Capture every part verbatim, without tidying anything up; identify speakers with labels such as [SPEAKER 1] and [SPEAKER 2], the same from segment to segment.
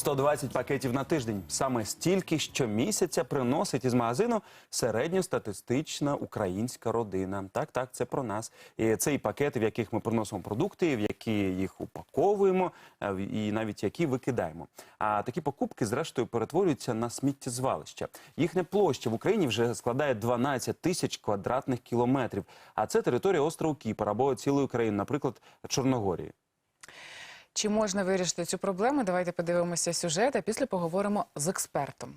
[SPEAKER 1] сто двадцять пакетів на тиждень. Саме стільки щомісяця приносить із магазину середньостатистична українська родина. Так, так, це про нас. І це і пакети, в яких ми приносимо продукти, в які їх упаковуємо, і навіть які викидаємо. А такі покупки, зрештою, перетворюються на сміттєзвалища. Їхня площа в Україні вже складає дванадцять тисяч квадратних кілометрів. А це територія острову Кіпр або цілої країни, наприклад, Чорногорії.
[SPEAKER 2] Чи можна вирішити цю проблему? Давайте подивимося сюжет, а після поговоримо з експертом.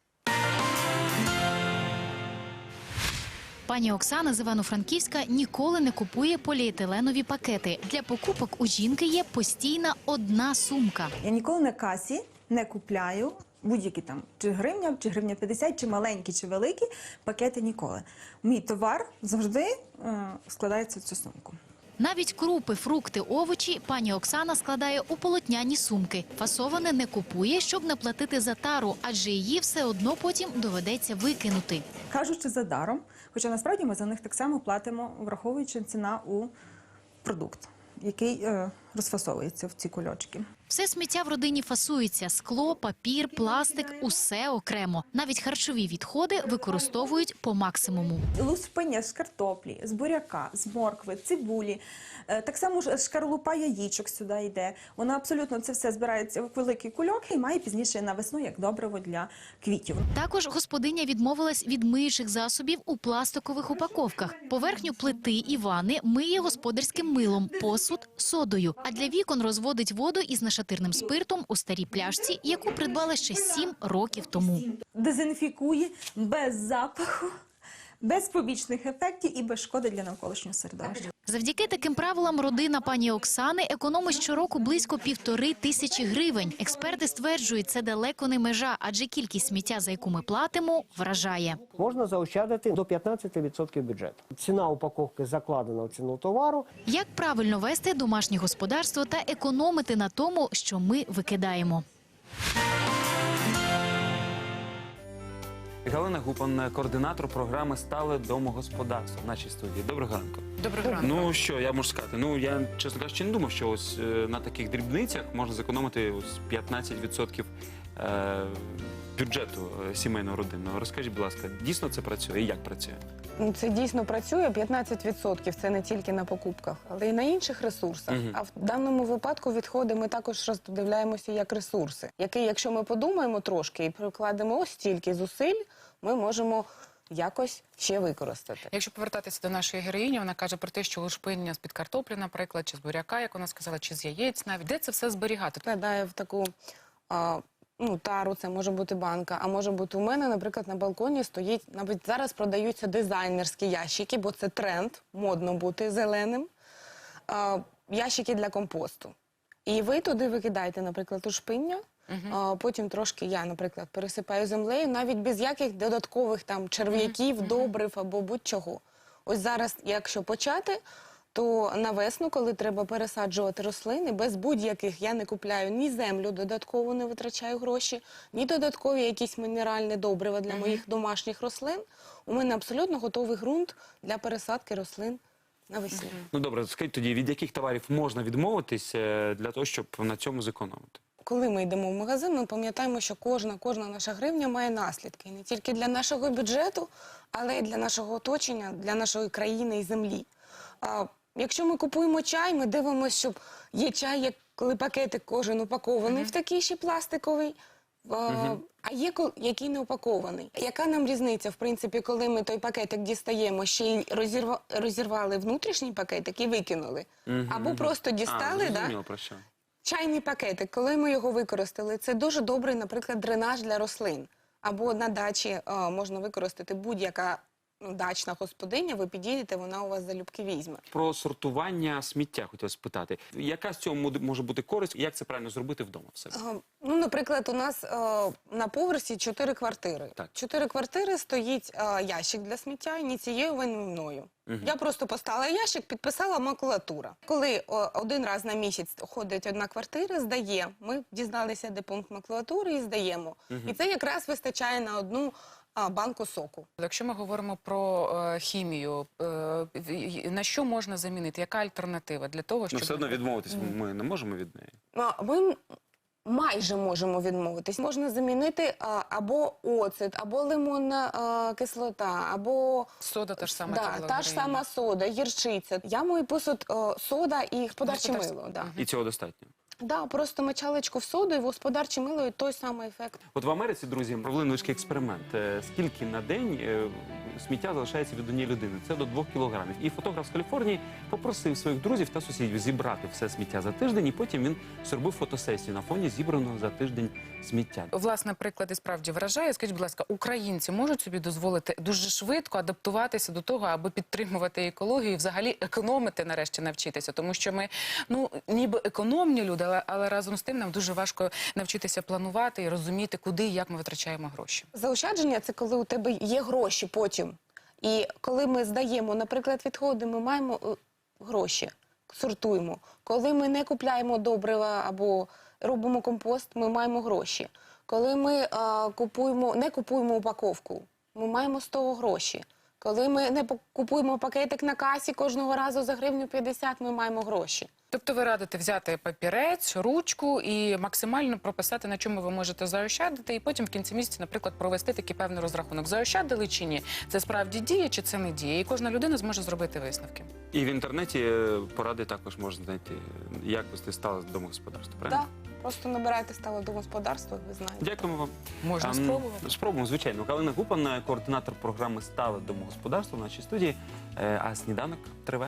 [SPEAKER 3] Пані Оксана з Івано-Франківська ніколи не купує поліетиленові пакети. Для покупок у жінки є постійна одна сумка.
[SPEAKER 4] Я ніколи на касі не купляю будь-які там, чи гривня, чи гривня п'ятдесят, чи маленькі, чи великі пакети ніколи. Мій товар завжди е, складається в цю сумку.
[SPEAKER 3] Навіть крупи, фрукти, овочі пані Оксана складає у полотняні сумки. Фасоване не купує, щоб не платити за тару, адже її все одно потім доведеться викинути.
[SPEAKER 4] Кажучи за даром, хоча насправді ми за них так само платимо, враховуючи ціна у продукт, який е, розфасовується в ці кульочки.
[SPEAKER 3] Все сміття в родині фасується – скло, папір, пластик – усе окремо. Навіть харчові відходи використовують по максимуму.
[SPEAKER 4] Лускпиня з картоплі, з буряка, з моркви, цибулі, е, так само ж шкарлупа яєчок сюди йде. Вона абсолютно це все збирається в великий кульок і має пізніше на весну як добриво для квітів.
[SPEAKER 3] Також господиня відмовилась від миючих засобів у пластикових упаковках. Поверхню плити і ванни миє господарським милом, посуд – содою. А для вікон розводить воду із нашатирним спиртом у старій пляшці, яку придбала ще сім років тому.
[SPEAKER 4] Дезінфікує без запаху, без побічних ефектів і без шкоди для навколишнього середовища.
[SPEAKER 3] Завдяки таким правилам родина пані Оксани економить щороку близько півтори тисячі гривень. Експерти стверджують, це далеко не межа, адже кількість сміття, за яку ми платимо, вражає.
[SPEAKER 5] Можна заощадити до п'ятнадцяти відсотків бюджету. Ціна упаковки закладена в ціну товару.
[SPEAKER 3] Як правильно вести домашнє господарство та економити на тому, що ми викидаємо?
[SPEAKER 1] Галина Гупан, координатор програми «Стале домогосподарство» в нашій студії. Доброго ранку.
[SPEAKER 2] Доброго ранку.
[SPEAKER 1] Ну що, я можу сказати, ну я, чесно кажучи, не думав, що ось е, на таких дрібницях можна зекономити ось п'ятнадцять відсотків е, бюджету е, сімейного родинного. Розкажіть, будь ласка, дійсно це працює і як працює?
[SPEAKER 6] Це дійсно працює, п'ятнадцять відсотків це не тільки на покупках, але й на інших ресурсах.
[SPEAKER 1] Угу.
[SPEAKER 6] А в даному випадку відходи ми також роздивляємося як ресурси, які, якщо ми подумаємо трошки і прикладемо ось стільки зусиль, ми можемо якось ще використати.
[SPEAKER 2] Якщо повертатися до нашої героїні, вона каже про те, що лушпиння з-під картоплі, наприклад, чи з буряка, як вона сказала, чи з яєць навіть. Де це все зберігати?
[SPEAKER 6] Вкладає в таку а, ну, тару, це може бути банка, а може бути у мене, наприклад, на балконі стоїть, навіть зараз продаються дизайнерські ящики, бо це тренд, модно бути зеленим, а, ящики для компосту. І ви туди викидаєте, наприклад, лушпиння,
[SPEAKER 2] Угу.
[SPEAKER 6] а, потім трошки я, наприклад, пересипаю землею, навіть без яких додаткових там черв'яків,
[SPEAKER 2] Угу.
[SPEAKER 6] добрив або будь-чого. Ось зараз, якщо почати, то на весну, коли треба пересаджувати рослини, без будь-яких я не купляю ні землю додатково, не витрачаю гроші, ні додаткові якісь мінеральні добрива для моїх домашніх рослин. У мене абсолютно готовий ґрунт для пересадки рослин навесні.
[SPEAKER 1] Ну добре, скажіть тоді, від яких товарів можна відмовитись е, для того, щоб на цьому зекономити?
[SPEAKER 6] Коли ми йдемо в магазин, ми пам'ятаємо, що кожна, кожна наша гривня має наслідки. Не тільки для нашого бюджету, але й для нашого оточення, для нашої країни і землі. А, якщо ми купуємо чай, ми дивимося, щоб є чай, як коли пакетик кожен упакований
[SPEAKER 2] Uh-huh.
[SPEAKER 6] в такий ще пластиковий, а, uh-huh. а є, який не упакований. Яка нам різниця, в принципі, коли ми той пакетик дістаємо, ще й розірва, розірвали внутрішній пакетик і викинули?
[SPEAKER 1] Uh-huh.
[SPEAKER 6] Або просто дістали,
[SPEAKER 1] а,
[SPEAKER 6] да?
[SPEAKER 1] зрозуміло, про що.
[SPEAKER 6] Чайний пакетик, коли ми його використали, це дуже добрий, наприклад, дренаж для рослин. Або на дачі а, можна використати будь-яка ну, дачна господиня, ви підійдете, вона у вас залюбки візьме.
[SPEAKER 1] Про сортування сміття хотів спитати. Яка з цього може бути користь і як це правильно зробити вдома в себе?
[SPEAKER 6] А, ну, наприклад, у нас а, на поверсі чотири квартири.
[SPEAKER 1] Так.
[SPEAKER 6] Чотири квартири стоїть а, ящик для сміття, ініційований мною. Угу. Я просто поставила ящик, підписала макулатура. Коли о, один раз на місяць ходить одна квартира, здає. Ми дізналися, де пункт макулатури і здаємо. Угу. І це якраз вистачає на одну а, банку соку.
[SPEAKER 2] Якщо ми говоримо про е, хімію, е, на що можна замінити? Яка альтернатива для того, щоб...
[SPEAKER 1] Ну, все одно відмовитись ми не можемо від неї.
[SPEAKER 6] А, ми майже можемо відмовитись. Можна замінити а, або оцет, або лимонна а, кислота, або
[SPEAKER 2] Сода та ж сама.
[SPEAKER 6] да,
[SPEAKER 2] яка була
[SPEAKER 6] та
[SPEAKER 2] в
[SPEAKER 6] ж
[SPEAKER 2] Україні.
[SPEAKER 6] сама сода, гірчиця. Я мою посуд о, сода і господарче
[SPEAKER 2] Господарське.
[SPEAKER 6] мило. Да.
[SPEAKER 1] І цього достатньо.
[SPEAKER 6] Да, просто мочалочку в соду і в господарче мило і той самий ефект.
[SPEAKER 1] От в Америці, друзі, провели невеличкий експеримент. Е, Скільки на день е, сміття залишається від однієї людини? Це до двох кілограмів. І фотограф з Каліфорнії попросив своїх друзів та сусідів зібрати все сміття за тиждень, і потім він зробив фотосесію на фоні зібраного за тиждень сміття.
[SPEAKER 2] Власне, приклад і справді вражає. Скажіть, будь ласка, українці можуть собі дозволити дуже швидко адаптуватися до того, аби підтримувати екологію і взагалі економити нарешті навчитися? Тому що ми, ну, ніби економні люди, але, але разом з тим нам дуже важко навчитися планувати і розуміти, куди і як ми витрачаємо гроші.
[SPEAKER 6] Заощадження – це коли у тебе є гроші потім. І коли ми здаємо, наприклад, відходи, ми маємо е, гроші, сортуємо. Коли ми не купляємо добрива або робимо компост, ми маємо гроші. Коли ми е, купуємо, не купуємо упаковку, ми маємо з того гроші. Коли ми не пок- купуємо пакетик на касі кожного разу за гривню п'ятдесят, ми маємо гроші.
[SPEAKER 2] Тобто ви радите взяти папірець, ручку і максимально прописати, на чому ви можете заощадити, і потім в кінці місяця, наприклад, провести такий певний розрахунок. Заощадили чи ні? Це справді діє чи це не діє? І кожна людина зможе зробити висновки.
[SPEAKER 1] І в інтернеті е, поради також можна знайти, як вести стале домогосподарство.
[SPEAKER 6] Так,
[SPEAKER 1] Правильно?
[SPEAKER 6] просто набирайте стале домогосподарство, ви знаєте.
[SPEAKER 1] Дякуємо вам.
[SPEAKER 2] Можна
[SPEAKER 1] Ам,
[SPEAKER 2] спробувати.
[SPEAKER 1] Спробуємо, звичайно. Галина Гупан, координатор програми «Стале домогосподарство» в нашій студії. Е, А сніданок триває.